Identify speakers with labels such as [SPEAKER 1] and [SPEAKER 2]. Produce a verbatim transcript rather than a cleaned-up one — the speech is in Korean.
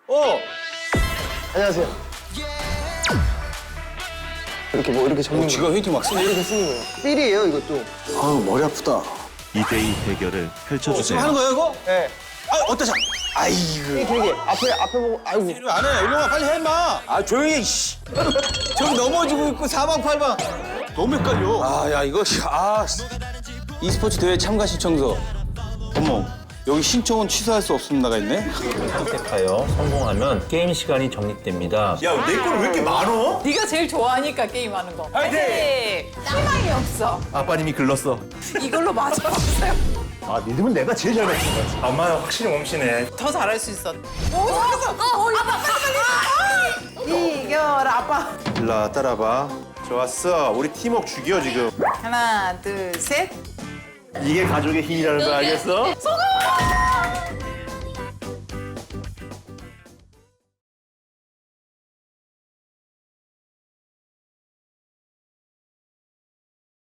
[SPEAKER 1] 어.
[SPEAKER 2] 안녕하세요. 이렇게 뭐 이렇게 적는
[SPEAKER 1] 어, 지가 힌트 막 쓰네.
[SPEAKER 2] 이렇게 쓰는 거예요. 삘이에요, 이것도.
[SPEAKER 1] 아우, 머리 아프다.
[SPEAKER 3] 이 대이 대결을
[SPEAKER 1] 지금
[SPEAKER 3] 펼쳐주세요.
[SPEAKER 1] 하는 거야, 이거?
[SPEAKER 2] 네.
[SPEAKER 1] 아, 어떠자? 아이고.
[SPEAKER 2] 삘 길게. 앞에, 앞에 보고, 아이고.
[SPEAKER 1] 이리 안 해. 일로 와, 빨리 해, 임마. 아, 조용히 해, 씨. 저기 넘어지고 있고 사방팔방. 너무 헷갈려. 아, 야, 이거, 아, 씨. e스포츠 대회 참가 신청서. 어머, 여기 신청은 취소할 수 없음 나가 있네?
[SPEAKER 4] 선택하여 성공하면 게임 시간이 적립됩니다.
[SPEAKER 1] 야, 내 걸 왜 이렇게 많어?
[SPEAKER 5] 네가 제일 좋아하니까 게임하는 거.
[SPEAKER 1] 화이팅!
[SPEAKER 5] 희망이 없어.
[SPEAKER 3] 아빠님이 글렀어.
[SPEAKER 5] 이걸로 맞춰주세요.
[SPEAKER 3] 아, 믿으면 내가 제일 잘 맞춘 거지.
[SPEAKER 4] 엄마는 확실히 몸치네.
[SPEAKER 5] 더 잘할 수 있어. 오, 잘했어. 어, 아빠 빨리 빨리. 이겨라 아빠.
[SPEAKER 6] 일라 따라봐. 좋았어. 우리 팀워크 죽여 지금.
[SPEAKER 5] 하나, 둘, 셋.
[SPEAKER 3] 이게 가족의 힘이라는 거 알겠어?
[SPEAKER 5] 성공!